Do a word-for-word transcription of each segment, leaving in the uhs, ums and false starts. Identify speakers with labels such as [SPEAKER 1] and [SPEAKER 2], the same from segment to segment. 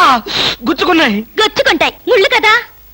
[SPEAKER 1] గుచ్చుకున్నాయి.
[SPEAKER 2] గుచ్చుకుంటాయి, ముళ్ళు కదా.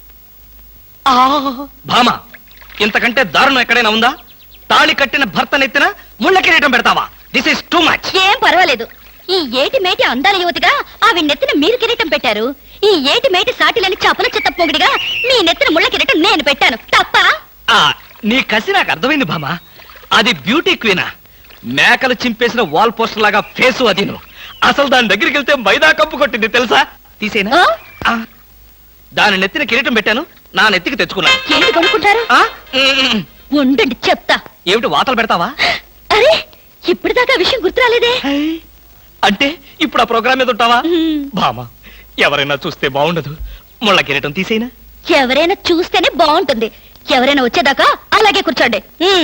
[SPEAKER 1] భామ, ఇంతకంటే దారుణం ఎక్కడైనా ఉందా? తాళి కట్టిన భర్త నెత్తిన ముళ్ళ కిరీటం పెడతావా? This is too much.
[SPEAKER 2] ఏం పర్వాలేదు. ఈ ఏటి మేటి అందాల యువతిగా ఆవి నెత్తిన మీరు కిరీటం పెట్టారు. ఈ ఏటి మేటి సాటిలని చపల చెత్త పొగిడిగా మీ నెత్తిన ముళ్ళ కిరీటం నేను పెట్టాను. తప్ప?
[SPEAKER 1] నీ కసి నాకు అర్థమైంది భామ. అది బ్యూటీ క్వీనా? మేకలు చింపేసిన వాల్ పోస్టర్ లాగా ఫేసు అది. నువ్వు అసలు దాని దగ్గరికి వెళ్తే మైదా కప్పు కొట్టింది తెలుసా? తీసేనా? దాని నెత్తిన కిరీటం పెట్టాను, నా నెత్తికి తెచ్చుకున్నాను.
[SPEAKER 2] ఏంటి కొనుక్కుంటారు? ఉండండి చెప్తా.
[SPEAKER 1] ఏమిటి వాతలు పెడతావా?
[SPEAKER 2] అరే, ఇప్పటిదాకా విషయం గుర్తురాలేదే.
[SPEAKER 1] అంటే ఇప్పుడు ఆ ప్రోగ్రామ్ మీద ఉంటావా? భామ, ఎవరైనా చూస్తే బాగుండదు. ముళ్ళ కిరీటం తీసేనా?
[SPEAKER 2] ఎవరైనా చూస్తేనే బాగుంటుంది. ఎవరైనా వచ్చేదాకా అలాగే కూర్చోండి.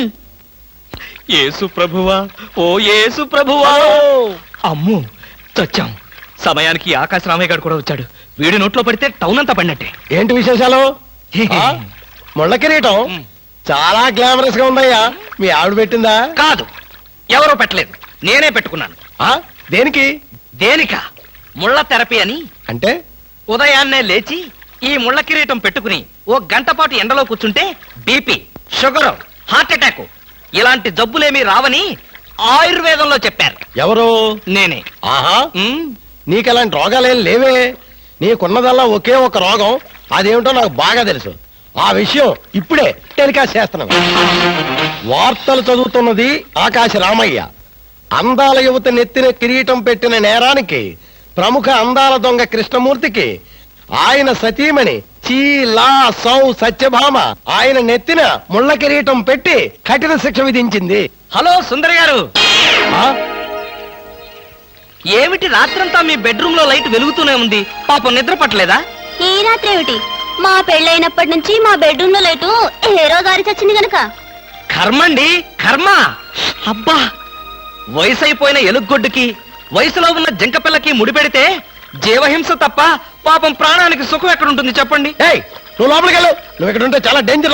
[SPEAKER 1] యేసు ప్రభువా, ఓ యేసు ప్రభువా. అమ్ము, చచ్చాం. సమయానికి ఆకాశ రామయ్య గారు కూడా వచ్చాడు. వీడి నోట్లో పడితే టౌన్ అంతా పడినట్టే.
[SPEAKER 3] ఏంటి విశేషాలు? ముళ్ళ కిరీటం చాలా గ్లామరస్ గా ఉందయ్యా. మీ ఆవిడ పెట్టిందా?
[SPEAKER 1] కాదు, ఎవరో పెట్టలేదు, నేనే పెట్టుకున్నాను.
[SPEAKER 3] దేనికి?
[SPEAKER 1] దేనిక? ముళ్ళ థెరపీ అని.
[SPEAKER 3] అంటే
[SPEAKER 1] ఉదయాన్నే లేచి ఈ ముళ్ళ కిరీటం పెట్టుకుని ఓ గంట పాటు ఎండలో కూర్చుంటే బీపీ, షుగర్, హార్ట్ అటాక్ ఇలాంటి జబ్బులేమీ రావని ఆయుర్వేదంలో చెప్పారు.
[SPEAKER 3] ఎవరు?
[SPEAKER 1] నేనే.
[SPEAKER 3] ఆహా, నీకు అలాంటి రోగాలేం లేవే. నీకున్నదల్లా ఒకే ఒక రోగం. అదేమిటో నాకు బాగా తెలుసు. ఆ విషయం ఇప్పుడే టెలికాస్ట్ చేస్తున్నాను. వార్తలు చదువుతున్నది ఆకాశ రామయ్య. అందాల యువత నెత్తిన కిరీటం పెట్టిన నేరానికి ప్రముఖ అందాల దొంగ కృష్ణమూర్తికి ఆయన సతీమణి చీలా సౌ సత్యభామ ఆయన నెత్తిన ముళ్ళ కిరీటం పెట్టి కఠిన శిక్ష విధించింది.
[SPEAKER 1] హలో సుందర్ గారు, ఏమిటి రాత్రంతా మీ బెడ్రూమ్ లో లైట్ వెలుగుతూనే ఉంది? పాపం నిద్ర పట్టలేదా?
[SPEAKER 2] ఈ రాత్రి ఏమిటి? మా పెళ్ళైనప్పటి నుంచి మా బెడ్రూమ్ లో లైటు హీరో గారి చచ్చింది గనక.
[SPEAKER 1] కర్మండి, కర్మ. అబ్బా, వయసు అయిపోయిన ఎలుగొడ్డుకి వయసులో ఉన్న జంకపిల్లకి ముడిపెడితే జీవహింస తప్ప పాపం ప్రాణానికి సుఖం ఎక్కడుంటుంది చెప్పండి?
[SPEAKER 3] నువ్వు లోపలికి వెళ్ళు. నువ్వు ఇక్కడ ఉంటే చాలా డేంజర్.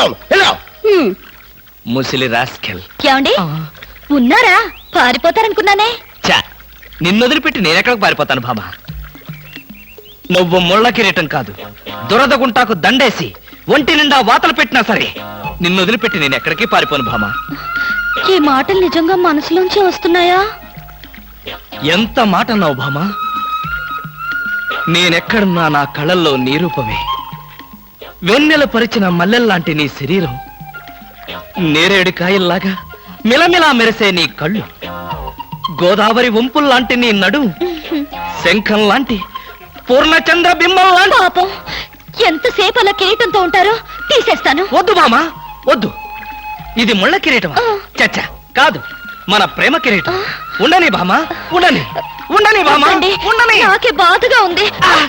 [SPEAKER 1] ముసిలి రాస్కెల్.
[SPEAKER 2] ఏమండి ఉన్నారా? పారిపోతారనుకున్నానే.
[SPEAKER 1] చా, నిన్ను వదిలిపెట్టి నేనెక్కడికి పారిపోతాను బాబా? నువ్వు ముళ్ళ కిరీటం కాదు, దురద గుంటాకు దండేసి ఒంటి నిండా వాతలు పెట్టినా సరే నిన్ను వదిలిపెట్టి నేను ఎక్కడికి పారిపోను భామా.
[SPEAKER 2] ఈ మాటలు నిజంగా మనసులోంచి వస్తున్నాయా?
[SPEAKER 1] ఎంత మాట అన్నావు భామా. నేనెక్కడున్నా నా కళ్ళల్లో నీ రూపమే. వెన్నెల పరిచిన మల్లెల్లాంటి నీ శరీరం, నేరేడు కాయల్లాగా మిలమిలా మెరిసే నీ కళ్ళు, గోదావరి వంపుల్లాంటి నీ నడు, శంఖం లాంటి పూర్ణచంద్ర బింబం లాంటి.
[SPEAKER 2] పాపం, ఎంతసేపు అలా కిరీటంతో ఉంటారో తీసేస్తాను.
[SPEAKER 1] వద్దు మామా, వద్దు. ఇది ముళ్ళ కిరీటం చచ్చా కాదు, మన ప్రేమ కిరీటం. ఉండని బామా, ఉండని ఉండని బామా, ఉండని.
[SPEAKER 2] నాకే బాధగా ఉంది.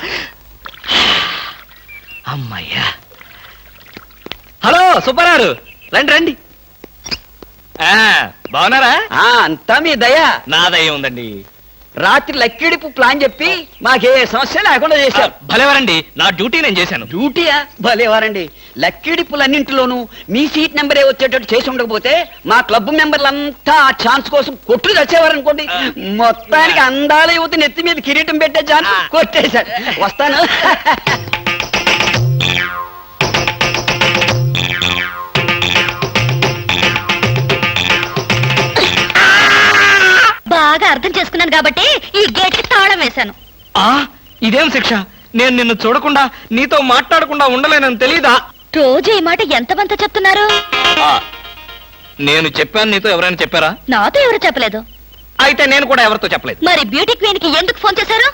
[SPEAKER 1] అమ్మయ్యా. హలో సుబ్బారావు, రండి రండి. బాగున్నారా?
[SPEAKER 4] అంతా మీ దయ.
[SPEAKER 1] నా దయ ఉందండి.
[SPEAKER 4] రాత్రి లక్కిడిపు ప్లాన్ చెప్పి మాకే సమస్య లేకుండా చేశారు.
[SPEAKER 1] భలేవారండి, నా డ్యూటీ నేను చేశాను.
[SPEAKER 4] డ్యూటీయా? భలేవారండి. లక్కిడిపులన్నింటిలోనూ మీ సీట్ నెంబరే వచ్చేటట్టు చేసి ఉండకపోతే మా క్లబ్ మెంబర్లంతా ఆ ఛాన్స్ కోసం కొట్లు తెచ్చేవారనుకోండి. మొత్తానికి అందాల యువత నెత్తి మీద కిరీటం పెట్టే ఛాన్స్ కొట్టేశాడు. వస్తాను.
[SPEAKER 2] బాగా అర్థం చేసుకున్నాను కాబట్టి ఈ గేట్ కి తాళం వేశాను.
[SPEAKER 1] ఆ ఇదేం శిక్ష? నేను నిన్ను చూడకుండా నీతో మాట్లాడకుండా ఉండలేనని తెలీదా?
[SPEAKER 2] రోజు ఈ మాట ఎంతమంత చెప్తున్నారు?
[SPEAKER 1] నేను చెప్పాను, నీతో ఎవరైనా చెప్పారా?
[SPEAKER 2] నాతో ఎవరు చెప్పలేదు.
[SPEAKER 1] అయితే నేను కూడా ఎవరితో చెప్పలేదు.
[SPEAKER 2] మరి బ్యూటీ క్వీన్ కి ఎందుకు ఫోన్ చేశారు?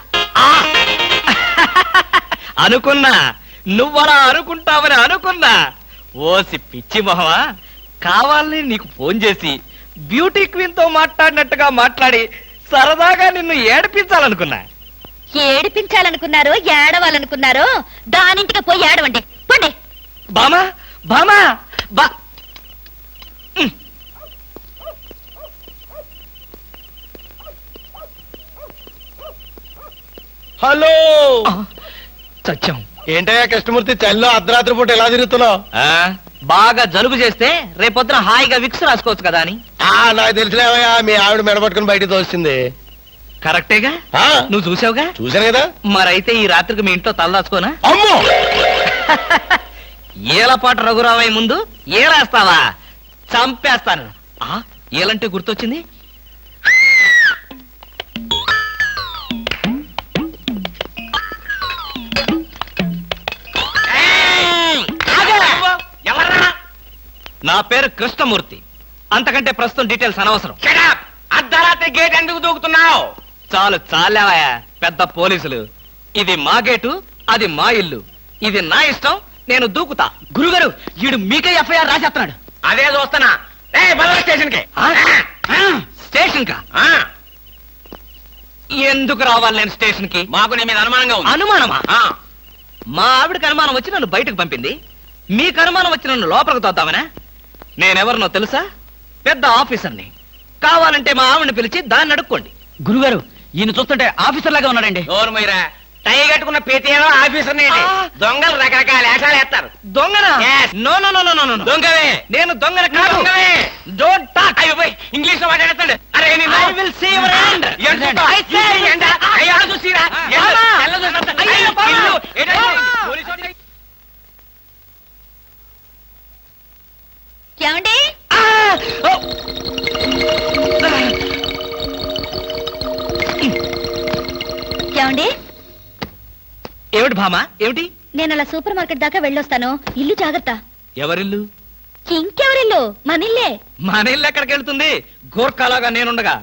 [SPEAKER 1] అనుకున్నా నువ్వలా అనుకుంటావని అనుకున్నా. ఓసి పిచ్చి మొహమా, కావాలని నీకు ఫోన్ చేసి బ్యూటీ క్వీన్ తో మాట్లాడినట్టుగా మాట్లాడి సరదాగా నిన్ను ఏడిపించాలనుకున్నా.
[SPEAKER 2] ఏడిపించాలనుకున్నారో ఏడవాలనుకున్నారో దానింటికి పోయి ఏడవండి. పండి.
[SPEAKER 1] బామా బామా బా.
[SPEAKER 3] హలో,
[SPEAKER 1] సత్యం.
[SPEAKER 3] ఏంటయ్యా కృష్ణమూర్తి, చల్లో అర్ధరాత్రి పూట ఎలా తిరుగుతున్నావు?
[SPEAKER 1] బాగా జలుబు చేస్తే రేపొద్దున హాయిగా విక్స్ రాసుకోవచ్చు కదా అని.
[SPEAKER 3] నాకు తెలిసినవయ్యా, మీ ఆవిడ మెడపట్టుకుని బయటకు తోస్తుంది.
[SPEAKER 1] కరెక్టేగా
[SPEAKER 3] ఆ,
[SPEAKER 1] నువ్వు చూసావుగా
[SPEAKER 3] చూశాను కదా.
[SPEAKER 1] మరైతే ఈ రాత్రికి మీ ఇంట్లో తలదాచుకోనా
[SPEAKER 3] అమ్మో
[SPEAKER 1] ఏలపాటు రఘురావయ్య ముందు ఏలేస్తావా చంపేస్తాను ఆ ఏలంటే గుర్తొచ్చింది నా పేరు కృష్ణమూర్తి అంతకంటే ప్రస్తుతం డీటెయిల్స్ అనవసరం
[SPEAKER 5] అర్ధరాత్రి గేట్ ఎందుకు దూకుతున్నావు?
[SPEAKER 1] చాలు చాలేవయ్యా పెద్ద పోలీసులు ఇది మా గేటు అది మా ఇల్లు ఇది నా ఇష్టం నేను దూకుతా గురుగారు వీడు మీకే ఎఫ్ఐఆర్ రాసేస్తున్నాడు
[SPEAKER 5] అదే చూస్తున్నా. ఏ బదల స్టేషన్ కి
[SPEAKER 1] స్టేషన్ కా ఎందుకు రావాలి నేను స్టేషన్ కి
[SPEAKER 5] మాకు నీ మీద అనుమానంగా ఉంది.
[SPEAKER 1] అనుమానమా
[SPEAKER 5] ఆ,
[SPEAKER 1] మా ఆవిడకి అనుమానం వచ్చి నన్ను బయటకు పంపింది మీకు అనుమానం వచ్చి నన్ను లోపలికి తోద్దామనా నేనెవరినో తెలుసా పెద్ద ఆఫీసర్ని కావాలంటే మా ఆవిడని పిలిచి దాన్ని అడుక్కోండి
[SPEAKER 4] గురుగారు ఈయన చూస్తుంటే ఆఫీసర్ లాగా ఉన్నాడండి.
[SPEAKER 5] నోరు మీరా టై కట్టుకున్న పేటీఎం ఆఫీసర్
[SPEAKER 1] ఆ.
[SPEAKER 5] దొంగలు రకరకాల వేషాలు వేస్తారు.
[SPEAKER 1] దొంగనా
[SPEAKER 5] Yes.
[SPEAKER 1] No no no no no no
[SPEAKER 5] దొంగవే
[SPEAKER 1] నేను దొంగన కాదు
[SPEAKER 5] దొంగవే.
[SPEAKER 1] డోంట్ టాక్
[SPEAKER 5] అయ్యో పోయ్, ఇంగ్లీష్ లో మాట్లాడతాడు. అరే నిన్ను-
[SPEAKER 1] I will see your hand.
[SPEAKER 5] ఏంటో?
[SPEAKER 1] I say-
[SPEAKER 5] ఈ ఎండ, అయ్యో, ఆడ చూసిరా? ఎండ,
[SPEAKER 1] బావా.
[SPEAKER 5] తెల్ల చూసినంత.
[SPEAKER 1] అయ్యో,
[SPEAKER 5] అయ్యో,
[SPEAKER 1] బావా.
[SPEAKER 5] ఇల్లు, ఏంటో ఇది?
[SPEAKER 1] బావా.
[SPEAKER 5] పోలీసు వాడిని-
[SPEAKER 2] ఏమండి ఏమండి
[SPEAKER 1] ఏమిటి భామా ఏమిటి
[SPEAKER 2] నేను అలా సూపర్ మార్కెట్ దాకా వెళ్ళొస్తాను ఇల్లు జాగ్రత్త
[SPEAKER 1] ఎవరిల్లు
[SPEAKER 2] ఇంకెవరిల్లు మనిల్లే
[SPEAKER 1] మన ఇల్లు ఎక్కడికి వెళ్తుంది గోర్ఖాలాగా నేనుండగా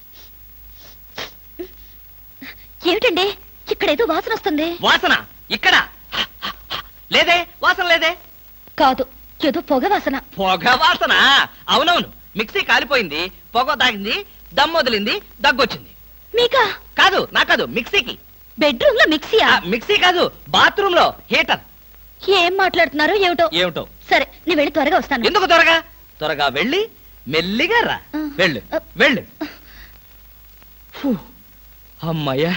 [SPEAKER 2] ఏమిటండి ఇక్కడేదో వాసన వస్తుంది
[SPEAKER 1] వాసన ఇక్కడ లేదే వాసన లేదే
[SPEAKER 2] కాదు ఏదో పొగ వాసన
[SPEAKER 1] పొగ వాసన అవునవును మిక్సీ కాలిపోయింది పొగ తాగింది దమ్ వదిలింది దగ్గొచ్చింది
[SPEAKER 2] మీకా
[SPEAKER 1] కాదు నా కాదు మిక్సీకి
[SPEAKER 2] బెడ్రూమ్ లో మిక్సీయా
[SPEAKER 1] ఆ, మిక్సీ కాదు బాత్రూమ్ లో హీటర్
[SPEAKER 2] ఏం మాట్లాడుతున్నారో ఏమిటో
[SPEAKER 1] ఏమిటో
[SPEAKER 2] సరే నేను వెళ్ళి త్వరగా వస్తాను
[SPEAKER 1] ఎందుకు త్వరగా త్వరగా వెళ్ళి మెల్లిగా రా
[SPEAKER 2] ఆ.
[SPEAKER 1] వెళ్ళు
[SPEAKER 2] ఆ.
[SPEAKER 1] వెళ్ళు ఫు, అమ్మయ్యా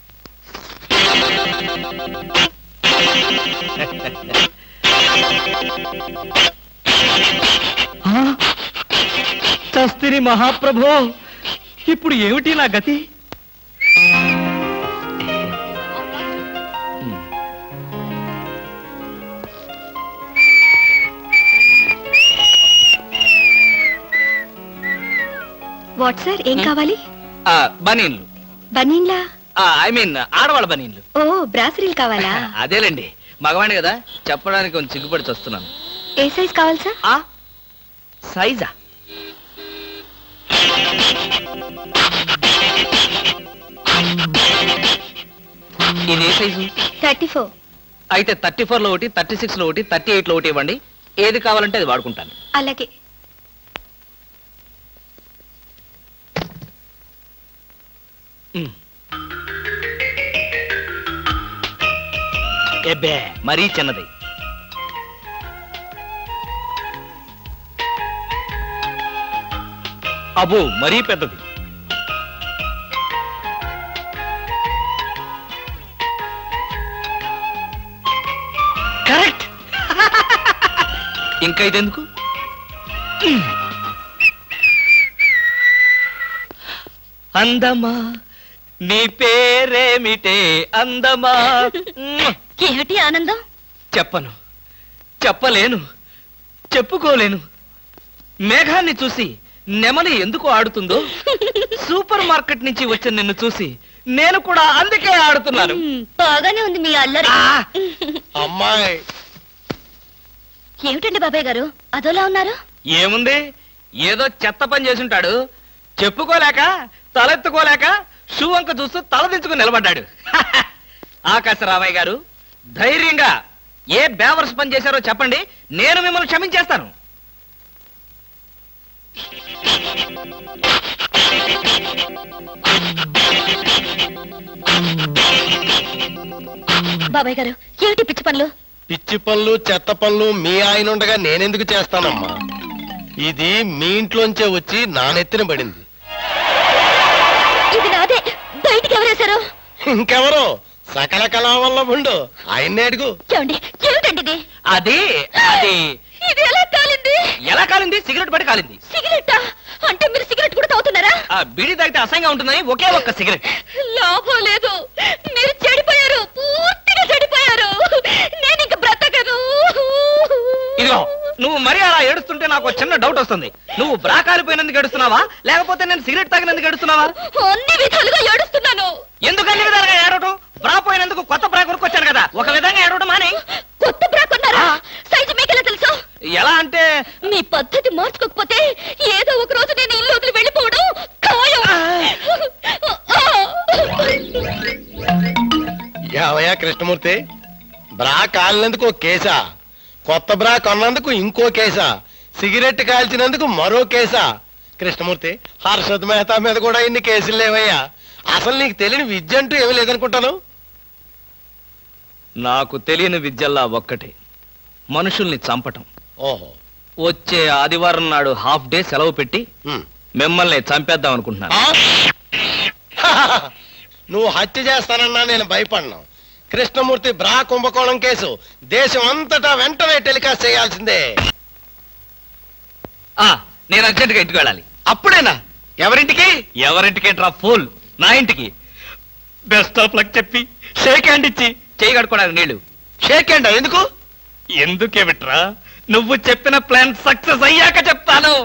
[SPEAKER 1] ఆ, చస్తిని మహాప్రభో ఇప్పుడు ఏమిటి నా గతి
[SPEAKER 2] వాట్ సార్ ఏం కావాలి
[SPEAKER 1] ఆ, బనీన్లు
[SPEAKER 2] బనీన్లా
[SPEAKER 1] ఐ మీన్ ఆడవాళ్ళ బనీన్లు
[SPEAKER 2] ఓ బ్రాసరీలు కావాలా
[SPEAKER 1] అదేలేండి మగవాణి కదా చెప్పడానికి కొంచెం సిగ్గుపడి వస్తున్నాను
[SPEAKER 2] ఏ సైజ్ కావాలి సార్
[SPEAKER 1] ఆ సైజా ఇది ఏ సైజు
[SPEAKER 2] థర్టీ ఫోర్
[SPEAKER 1] అయితే థర్టీ ఫోర్ లో ఒకటి థర్టీ సిక్స్ లో ఒకటి థర్టీ ఎయిట్ లో ఒకటి ఇవ్వండి ఏది కావాలంటే అది వాడుకుంటాను
[SPEAKER 2] అలాగే
[SPEAKER 1] ఉమ్. ఎబ్బే మరీ చిన్నది అబో మరీ పెద్దది కరెక్ట్ ఇంకా ఇదెందుకు ఉమ్. అందమా నీ పేరేమిటే అందమా ఉమ్.
[SPEAKER 2] ఏమిటి ఆనందం
[SPEAKER 1] చెప్పను చెప్పలేను చెప్పుకోలేను మేఘాన్ని చూసి నెమలి ఎందుకు ఆడుతుందో సూపర్ మార్కెట్ నుంచి వచ్చిన నిన్ను చూసి నేను కూడా అందుకే ఆడుతున్నాను
[SPEAKER 2] మ్, బాగానే ఉంది మీ అల్లరి
[SPEAKER 1] ఆ!
[SPEAKER 3] అమ్మాయి
[SPEAKER 2] ఏమిటండి బాబాయ్ గారు అదోలా ఉన్నారు
[SPEAKER 1] ఏముంది ఏదో చెత్త పని చేసుంటాడు చెప్పుకోలేక తలెత్తుకోలేక షూ వంక చూస్తూ తలదించుకుని నిలబడ్డాడు ఆకాశరామయ్య గారు ధైర్యంగా ఏ బేవర్స్ పని చేశారో చెప్పండి నేను మిమ్మల్ని క్షమించేస్తాను
[SPEAKER 2] బాబాయ్ గారు ఏమిటి పిచ్చి పనులు
[SPEAKER 3] పిచ్చి పనులు చెత్త పనులు మీ ఆయన ఉండగా నేనెందుకు చేస్తానమ్మా ఇది మీ ఇంట్లోంచే వచ్చి నా నెత్తిన పడింది
[SPEAKER 2] ఇది నాదే బయటికి ఎవరేశారు
[SPEAKER 3] ఇంకెవరో సకల కళావల్లభుండు ఆయన్నే అడుగు
[SPEAKER 2] ఏమండి ఏమిటండి ఇది
[SPEAKER 1] అది అది
[SPEAKER 2] ఇది ఎలా కాలింది
[SPEAKER 1] ఎలా కాలింది సిగరెట్ పడి కాలింది
[SPEAKER 2] సిగరెట్టా అంటే మీరు సిగరెట్ కూడా తాగుతున్నారా?
[SPEAKER 1] ఆ బీడీ తాగితే అసహ్యంగా ఉంటుందని ఒకే ఒక్క సిగరెట్.
[SPEAKER 2] లాభం లేదు, మీరు చెడిపోయారు, పూర్తిగా చెడిపోయారు. నేను ఇంక బ్రతకను.
[SPEAKER 1] ఇదిగో నువ్వు మరీ అలా ఏడుస్తుంటే నాకు ఒక చిన్న డౌట్ వస్తుంది. నువ్వు బ్రా కాలిపోయినందుకు ఏడుస్తున్నావా, లేకపోతే నేను సిగరెట్ తాగినందుకు ఏడుస్తున్నావా?
[SPEAKER 2] అన్ని విధాలుగా ఏడుస్తున్నాను.
[SPEAKER 1] ఎందుకు అన్ని విధాలుగా ఏడవటం? బ్రా పోయినందుకు కొత్త బ్రా కొనుక్కొచ్చాను కదా, ఒక విధంగా ఏడవడం మాని.
[SPEAKER 2] కొత్త బ్రా కొన్నారా? సైజు మీకెలా తెలుసు?
[SPEAKER 1] ఎలా అంటే
[SPEAKER 2] మీ పద్ధతి మార్చుకోకపోతే ఏదో ఒక రోజు నేను ఇల్లు వదిలి వెళ్ళిపోవడం ఖాయం.
[SPEAKER 3] యావయ్యా కృష్ణమూర్తి, బ్రా కాలినందుకు ఒక కేసా, కొత్త బ్రా కొన్నందుకు ఇంకో కేసా, సిగరెట్ కాల్చినందుకు మరో కేసా? కృష్ణమూర్తి, హర్షద్ మెహతా మీద కూడా ఇన్ని కేసులు లేవయ్యా. అసలు నీకు తెలియని విద్య అంటూ ఏమీ లేదనుకుంటాను.
[SPEAKER 1] నాకు తెలియని విద్యల్లా ఒక్కటే, మనుషుల్ని చంపటం.
[SPEAKER 3] ఓహో.
[SPEAKER 1] వచ్చే ఆదివారం నాడు హాఫ్ డే సెలవు పెట్టి
[SPEAKER 3] ఉమ్.
[SPEAKER 1] మిమ్మల్ని చంపేద్దాం అనుకుంటున్నాను.
[SPEAKER 3] ఆ? నువ్వు హత్య చేస్తానన్నా నేను భయపడను. కృష్ణమూర్తి బ్రా కుంభకోణం కేసు దేశం అంతటా వెంటనే టెలికాస్ట్ చేయాల్సిందే.
[SPEAKER 1] ఆ నేను అర్జెంటుగా ఇంటికి వెళ్ళాలి.
[SPEAKER 3] అప్పుడేనా? ఎవరింటికి?
[SPEAKER 1] ఎవరింటికి డ్రా ఫోల్, నా ఇంటికి. బెస్ట్ ఆఫ్ లక్ చెప్పి షేక్ హ్యాండ్ ఇచ్చి చేయి కడుకోవడానికి నీళ్లు.
[SPEAKER 3] షేక్ హ్యాండ్ ఎందుకు?
[SPEAKER 1] ఎందుకే బిట్రా, నువ్వు చెప్పిన ప్లాన్ సక్సెస్ అయ్యాక చెప్తాను.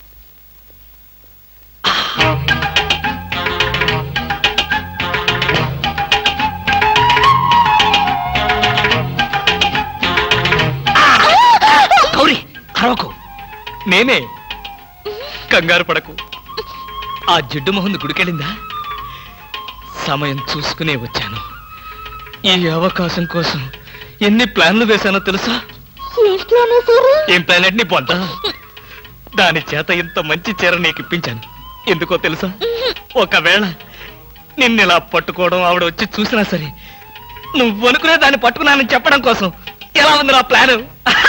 [SPEAKER 1] గౌరీ అరవకు, నేనే. కంగారు పడకు. ఆ జిడ్డు మొహంది గుడికెళ్ళిందా? సమయం చూసుకునే వచ్చాను. ఈ అవకాశం కోసం ఎన్ని ప్లాన్లు వేశానో తెలుసా? ఏం ప్లాన్ నీ పొంద? దాని చేత ఇంత మంచి చీర నీకు ఇప్పించాను. ఎందుకో తెలుసా? ఒకవేళ నిన్నిలా పట్టుకోవడం ఆవిడ వచ్చి చూసినా సరే నువ్వు అనుకునే దాన్ని పట్టుకున్నానని చెప్పడం కోసం. ఎలా ఉంది నా ప్లాను?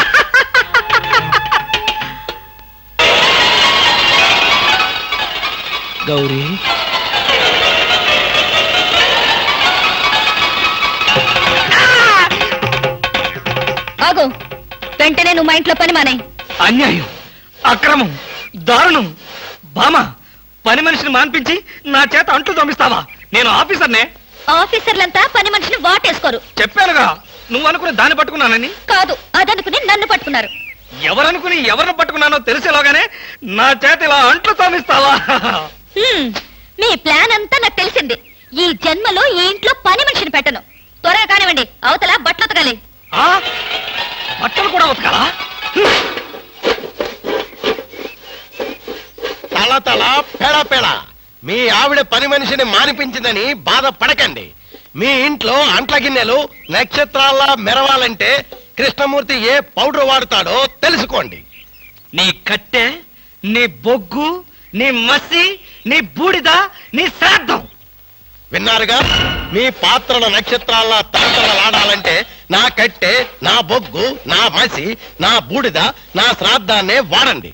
[SPEAKER 1] గౌరీ,
[SPEAKER 2] ఆగు, వెంటనే నువ్వు మా ఇంట్లో పని మానేయ్.
[SPEAKER 1] అన్యాయం, అక్రమం, దారుణం. బామా, పని మనిషిని మాన్పించి నా చేత అంట్లు తోమిస్తావా? నేను ఆఫీసర్నే.
[SPEAKER 2] ఆఫీసర్లంతా పని మనిషిని వాటేసుకోరు.
[SPEAKER 1] చెప్పానుగా, నువ్వు అనుకుని దాన్ని పట్టుకున్నానని.
[SPEAKER 2] కాదు, అదనుకుని నన్ను పట్టుకున్నారు.
[SPEAKER 1] ఎవరనుకుని ఎవరిని పట్టుకున్నానో తెలిసేలోగానే నా చేత ఇలా అంట్లు తోమిస్తావా?
[SPEAKER 2] హ్మ్, మీ ప్లాన్ అంతా నాకు తెలిసింది. ఈ జన్మలో ఈ ఇంట్లో పని మనిషిని పెట్టను. త్వరగా కానివ్వండి, అవతల బట్టలు ఉతకాలి.
[SPEAKER 1] ఆ? బట్టలు కూడా ఉతకాలా?
[SPEAKER 3] తల తల పెడ పెడ మీ ఆవిడ పని మనిషిని మానిపించిందని బాధపడకండి. మీ ఇంట్లో అంట్ల గిన్నెలు నక్షత్రాల్లా మెరవాలంటే కృష్ణమూర్తి ఏ పౌడర్ వాడతాడో తెలుసుకోండి.
[SPEAKER 1] నీ కట్టె, నీ బొగ్గు, నీ మసి, నీ బూడిద, నీ శ్రాద్ధం.
[SPEAKER 3] విన్నారుగా? మీ పాత్రల నక్షత్రాల్లా తలతలలాడాలంటే నా కట్టె, నా బొగ్గు, నా మసి, నా బూడిద, నా శ్రాద్ధాన్నే వాడండి.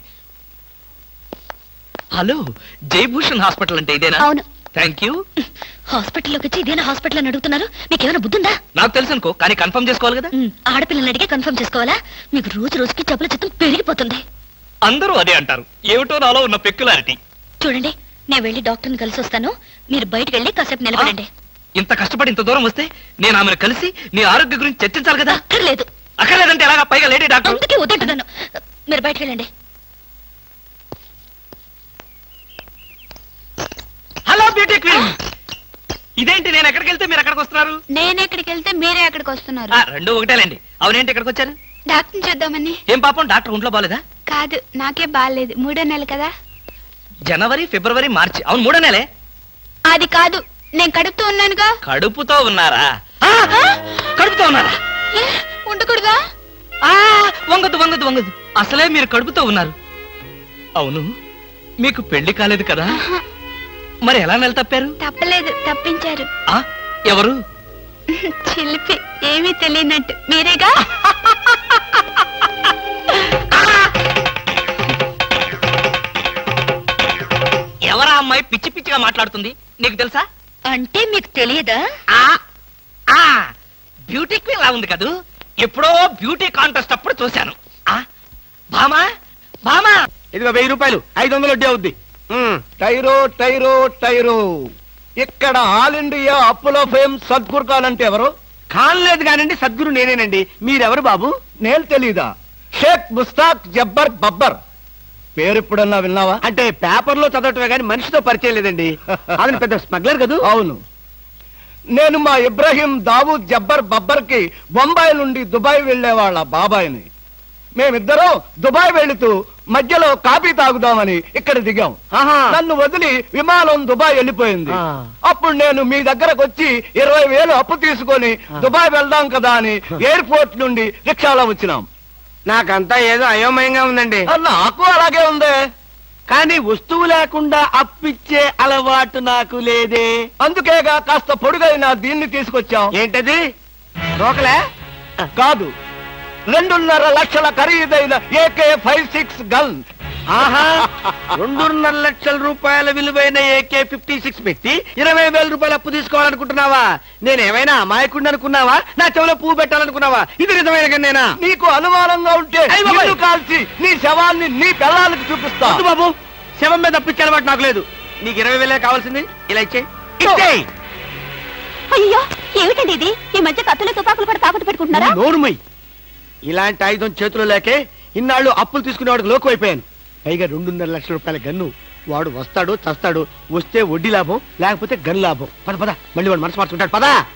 [SPEAKER 1] హలో, జయభూషణ్ హాస్పిటల్ అంటే ఇదేనా?
[SPEAKER 2] అవును.
[SPEAKER 1] Thank you.
[SPEAKER 2] హాస్పిటల్లోకి వచ్చి ఇదేనా హాస్పిటల్ అని అడుగుతున్నారు? మీకేమైనా బుద్ధుందా?
[SPEAKER 1] నాకు తెలుసు అనుకో, కానీ కన్ఫర్మ్ చేసుకోవాలి కదా.
[SPEAKER 2] ఉమ్, ఆడపిల్లల్ని అడిగే కన్ఫర్మ్ చేసుకోవాలా? మీకు రోజు రోజుకి జబ్బుల చిత్తం పెరిగిపోతుంది.
[SPEAKER 1] అందరూ అదే అంటారు. ఏమిటో నాలో ఉన్న పెక్యులారిటీ.
[SPEAKER 2] చూడండి, నేను వెళ్ళి డాక్టర్ని కలిసి వస్తాను. మీరు బయటకు వెళ్ళి కాసేపు నిలబడండి.
[SPEAKER 1] ఇంత కష్టపడి ఇంత దూరం వస్తే నేను ఆమెను కలిసి నీ ఆరోగ్య గురించి చర్చించాలి కదా.
[SPEAKER 2] అక్కర్లేదు.
[SPEAKER 1] అక్కర్లేదంటే ఎలాగా? పైగా లేడీ డాక్టర్.
[SPEAKER 2] అందుకే వద్దంటున్నాను. మీరు బయటకు వెళ్ళండి.
[SPEAKER 1] హలో బ్యూటీ క్వీన్, ఇదేంటి నేను ఎక్కడికి వెళ్తే మీరు ఎక్కడికి వస్తున్నారు?
[SPEAKER 2] నేను ఎక్కడికి వెళ్తే మీరే ఎక్కడికి వస్తున్నారు?
[SPEAKER 1] ఆ, రెండు ఒకటేలేండి. అవునేంటి ఎక్కడికి వచ్చారు?
[SPEAKER 2] డాక్టర్ని చూద్దామని.
[SPEAKER 1] ఏం పాపం, డాక్టర్ ఒంట్లో బాలేదా?
[SPEAKER 2] కాదు, నాకే బాగాలేదు. మూడో నెల కదా.
[SPEAKER 1] జనవరి, ఫిబ్రవరి, మార్చి. అవును, మూడో నెలే.
[SPEAKER 2] అది కాదు, నేను కడుపుతూ ఉన్నానుగా.
[SPEAKER 1] కడుపుతో ఉన్నారా? ఆ, కడుపుతో ఉన్నారా?
[SPEAKER 2] ఏ, ఉండకూడదా?
[SPEAKER 1] ఆ, వంగదు వంగదు వంగదు. అసలే మీరు కడుపుతో ఉన్నారు. అవును, మీకు పెళ్లి కాలేదు కదా? మరి ఎలా నెల తప్పారు?
[SPEAKER 2] తప్పలేదు, తప్పించారు.
[SPEAKER 1] ఆ, ఎవరు?
[SPEAKER 2] చిలిపి, ఏమీ తెలియనట్టు. మీరేగా?
[SPEAKER 1] ఎవరా అమ్మాయి పిచ్చి పిచ్చిగా మాట్లాడుతుంది? నీకు తెలుసా?
[SPEAKER 2] అంటే మీకు తెలియదా?
[SPEAKER 1] ఆ, ఆ, బ్యూటీ క్వీన్ లా ఉంది కదూ. ఎప్పుడో బ్యూటీ కాంటెస్ట్ అప్పుడు చూశాను. ఆ, భామా భామా,
[SPEAKER 5] ఇదిగో వెయ్యి రూపాయలు, ఐదు వందలు వడ్డీ అవుద్ది.
[SPEAKER 3] టైరో టైరో టైరో ఇక్కడ ఆల్ ఇండియా అప్పులో ఫేమ్ సద్గురు ఖాన్ అంటే ఎవరు?
[SPEAKER 5] కానలేదు కానండి సద్గురు నేనేనండి. మీరెవరు బాబు?
[SPEAKER 3] నేను తెలీదా? షేక్ ముస్తాక్ జబ్బర్ బబ్బర్ పేరు ఎప్పుడన్నా విన్నావా?
[SPEAKER 5] అంటే పేపర్లో చదవటమే కానీ మనిషితో పరిచయం లేదండి. అతను పెద్ద స్మగ్లర్ కదూ?
[SPEAKER 3] అవును, నేను మా ఇబ్రాహీం దావూద్ జబ్బర్ బబ్బర్ కి బొంబాయి నుండి దుబాయ్ వెళ్లే వాళ్ళ బాబాయిని. మేమిద్దరం దుబాయ్ వెళుతూ మధ్యలో కాఫీ తాగుదామని ఇక్కడ దిగాం.
[SPEAKER 5] ఆహా.
[SPEAKER 3] నన్ను వదిలి విమానం దుబాయ్ వెళ్ళిపోయింది.
[SPEAKER 5] ఆ.
[SPEAKER 3] అప్పుడు నేను మీ దగ్గరకు వచ్చి ఇరవై వేలు అప్పు తీసుకొని దుబాయ్ వెళ్దాం కదా అని ఎయిర్పోర్ట్ నుండి రిక్షాలో వచ్చినాం.
[SPEAKER 5] నాకంతా ఏదో అయోమయంగా ఉందండి.
[SPEAKER 3] ఆ, నాకు అలాగే ఉంది.
[SPEAKER 5] కానీ వస్తువు లేకుండా అప్పిచ్చే అలవాటు నాకు లేదే.
[SPEAKER 3] అందుకేగా కాస్త పొడుగైన దీన్ని తీసుకొచ్చాం.
[SPEAKER 5] ఏంటది? రోకలే?
[SPEAKER 3] కాదు, రెండున్నర లక్షల ఖరీదైన ఏకే ఫైవ్ సిక్స్ గన్.
[SPEAKER 5] ఆహా, రెండున్నర లక్షల రూపాయల విలువైన ఏకే ఫిఫ్టీ సిక్స్ పెట్టి ఇరవై వేల రూపాయలు అప్పు తీసుకోవాలనుకుంటున్నావా? నేనేమైనా అమాయకుడిని అనుకున్నావా? నా చెవిలో పువ్వు పెట్టాలనుకున్నావా? ఇది నిజమైన కన్నేనా?
[SPEAKER 3] నీకు అనుమానంగా ఉంటే
[SPEAKER 5] అయ్ బాబాయ్.
[SPEAKER 3] నిన్ను కాల్చి నీ శవాన్ని నీ పిల్లలకి చూపిస్తా.
[SPEAKER 5] వద్దు బాబు, శవం మీద అప్పిచ్చే అలవాటు నాకు లేదు. నీకు ఇరవై వేలే కావాల్సింది, ఇలా ఇచ్చే ఇచ్చేయ్.
[SPEAKER 2] అయ్యో ఏమిటండి ఇది? ఈ మధ్య కత్తులు తుపాకులు కూడా తాకట్టు పెట్టుకుంటున్నారా?
[SPEAKER 5] నోరుమై. ఇలాంటి ఆయుధం చేతిలో లేకే ఇన్నాళ్ళు అప్పులు తీసుకునేవాడికి లోకు అయిపోయాను. పైగా రెండున్నర లక్షల రూపాయల గన్ను. వాడు వస్తాడు చస్తాడు. వస్తే వడ్డీ లాభం, లేకపోతే గన్ లాభం. పద పద, మళ్ళీ వాడు మనసు మార్చుకుంటాడు. పదా.